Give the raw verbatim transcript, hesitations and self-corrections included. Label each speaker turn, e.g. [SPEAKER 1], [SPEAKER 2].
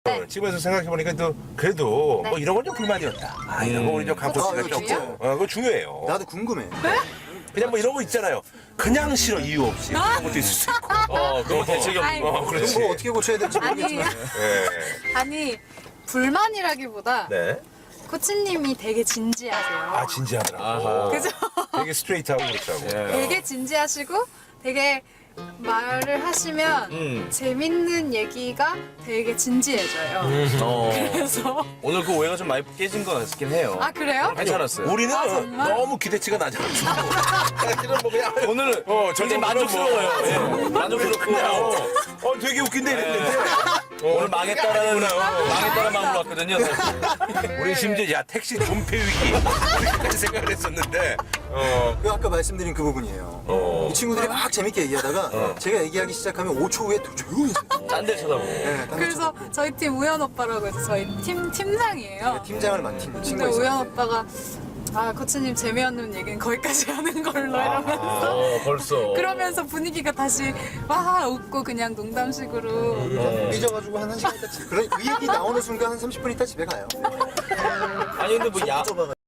[SPEAKER 1] 네.
[SPEAKER 2] 집에서 생각해보니까 또 그래도
[SPEAKER 1] 네.
[SPEAKER 2] 뭐 이런 건 좀 불만이었다. 아, 이런 거 우리 저 강포 씨가
[SPEAKER 3] 아, 이거
[SPEAKER 2] 조금.
[SPEAKER 3] 중요해요.
[SPEAKER 2] 어, 그거 중요해요.
[SPEAKER 3] 나도 궁금해.
[SPEAKER 2] 그냥 뭐 이런 거 있잖아요. 그냥 싫어 이유 없이 그런 것도 있을 수 있고.
[SPEAKER 4] 어, 그거 대책이
[SPEAKER 1] 아이,
[SPEAKER 4] 없는
[SPEAKER 2] 어,
[SPEAKER 4] 거.
[SPEAKER 2] 그렇지.
[SPEAKER 3] 이건 뭐 어떻게 고쳐야 될지
[SPEAKER 1] 아니,
[SPEAKER 3] 모르겠지만.
[SPEAKER 2] 네.
[SPEAKER 1] 아니 불만이라기보다
[SPEAKER 2] 네.
[SPEAKER 1] 코치님이 되게 진지하세요.
[SPEAKER 2] 아 진지하더라고.
[SPEAKER 4] 아하.
[SPEAKER 1] 그죠?
[SPEAKER 2] 되게 스트레이트하고 그렇더라고.
[SPEAKER 4] 예.
[SPEAKER 1] 되게 진지하시고 되게 말을 하시면
[SPEAKER 4] 음.
[SPEAKER 1] 재밌는 얘기가 되게 진지해져요.
[SPEAKER 4] 어.
[SPEAKER 1] 그래서
[SPEAKER 4] 오늘 그 오해가 좀 많이 깨진 것 같긴 해요.
[SPEAKER 1] 아 그래요?
[SPEAKER 4] 괜찮았어요.
[SPEAKER 2] 우리는
[SPEAKER 1] 아, 정말?
[SPEAKER 2] 너무 기대치가 낮아가지고. 사실은 뭐 그냥
[SPEAKER 4] 오늘은
[SPEAKER 2] 어,
[SPEAKER 4] 굉장히
[SPEAKER 2] 저는
[SPEAKER 4] 만족스러워요.
[SPEAKER 2] 뭐-
[SPEAKER 4] 예. 만족스럽고.
[SPEAKER 2] 그냥 어, 어 되게 웃긴데 이랬는데 어,
[SPEAKER 4] 오늘 망했다라는,
[SPEAKER 2] 아니구나.
[SPEAKER 4] 망했다는 마음으로 왔거든요. 사실.
[SPEAKER 2] 우리 심지어 야 택시 존폐 위기 이렇게까지 생각을 했었는데 어,
[SPEAKER 3] 그 아까 말씀드린 그 부분이에요.
[SPEAKER 2] 어.
[SPEAKER 3] 이 친구들이 막 재밌게 얘기하다가 제가 얘기하기 시작하면 오 초 후에 또 조용해져요.
[SPEAKER 4] 딴 데 쳐다보고.
[SPEAKER 3] 네, 딴
[SPEAKER 1] 그래서 저희 팀 우연 오빠라고 해서 저희 팀 팀장이에요.
[SPEAKER 3] 팀장을 맡은
[SPEAKER 1] 근데
[SPEAKER 3] 친구가 있어요.
[SPEAKER 1] 우연 오빠가 아 코치님 재미없는 얘기는 거기까지 하는 걸로 이러면서
[SPEAKER 4] 어, 벌써.
[SPEAKER 1] 그러면서 분위기가 다시 와 웃고 그냥 농담식으로
[SPEAKER 3] 삐져가지고 한 1시간 있다 집에. 그런 그 얘기 나오는 순간 한 삼십 분 있다 집에 가요.
[SPEAKER 4] 아니, 근데 뭐 야,
[SPEAKER 3] 좁아가지고.